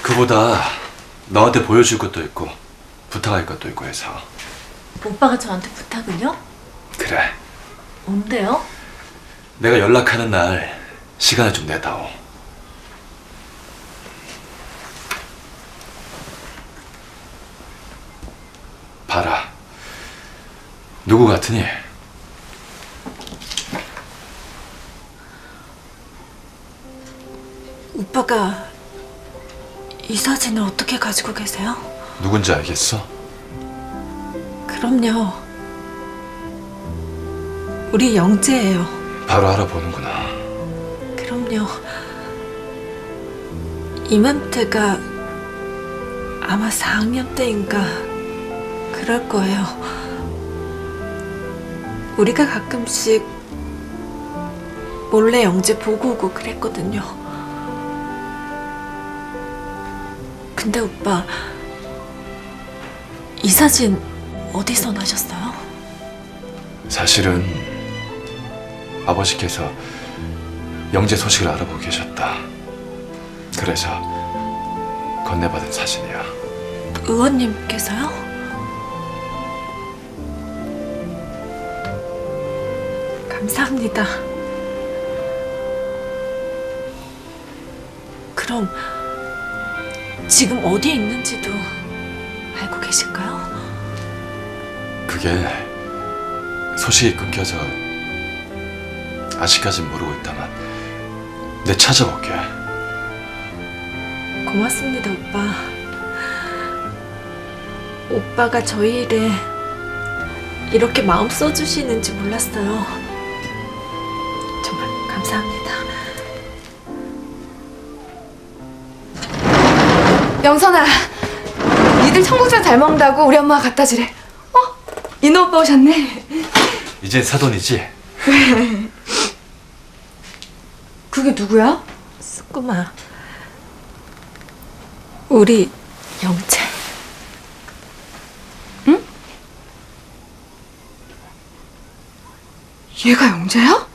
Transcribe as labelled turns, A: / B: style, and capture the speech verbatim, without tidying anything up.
A: 그보다 너한테 보여줄 것도 있고 부탁할 것도 있고 해서.
B: 오빠가 저한테 부탁을요?
A: 그래.
B: 뭔데요?
A: 내가 연락하는 날 시간을 좀 내다오. 봐라. 누구 같으니?
B: 오빠가 이 사진을 어떻게 가지고 계세요?
A: 누군지 알겠어?
B: 그럼요. 우리 영재예요.
A: 바로 알아보는구나.
B: 그럼요. 이맘때가 아마 사 학년 때인가 그럴 거예요. 우리가 가끔씩 몰래 영재 보고 오고 그랬거든요. 근데 오빠, 이 사진 어디서 나셨어요?
A: 사실은 아버지께서 영재 소식을 알아보고 계셨다. 그래서 건네받은 사진이야.
B: 의원님께서요? 감사합니다. 그럼 지금 어디에 있는지도 알고 계실까요?
A: 그게 소식이 끊겨서 아직까진 모르고 있다만 내 찾아볼게.
B: 고맙습니다, 오빠. 오빠가 저희 일에 이렇게 마음 써주시는지 몰랐어요. 정말 감사합니다.
C: 영선아, 니들 청국장 잘 먹는다고 우리 엄마가 갖다 주래. 어? 인호 오빠 오셨네.
A: 이젠 사돈이지?
C: 그게 누구야?
B: 스쿠마, 우리 영재.
C: 얘가 영재야?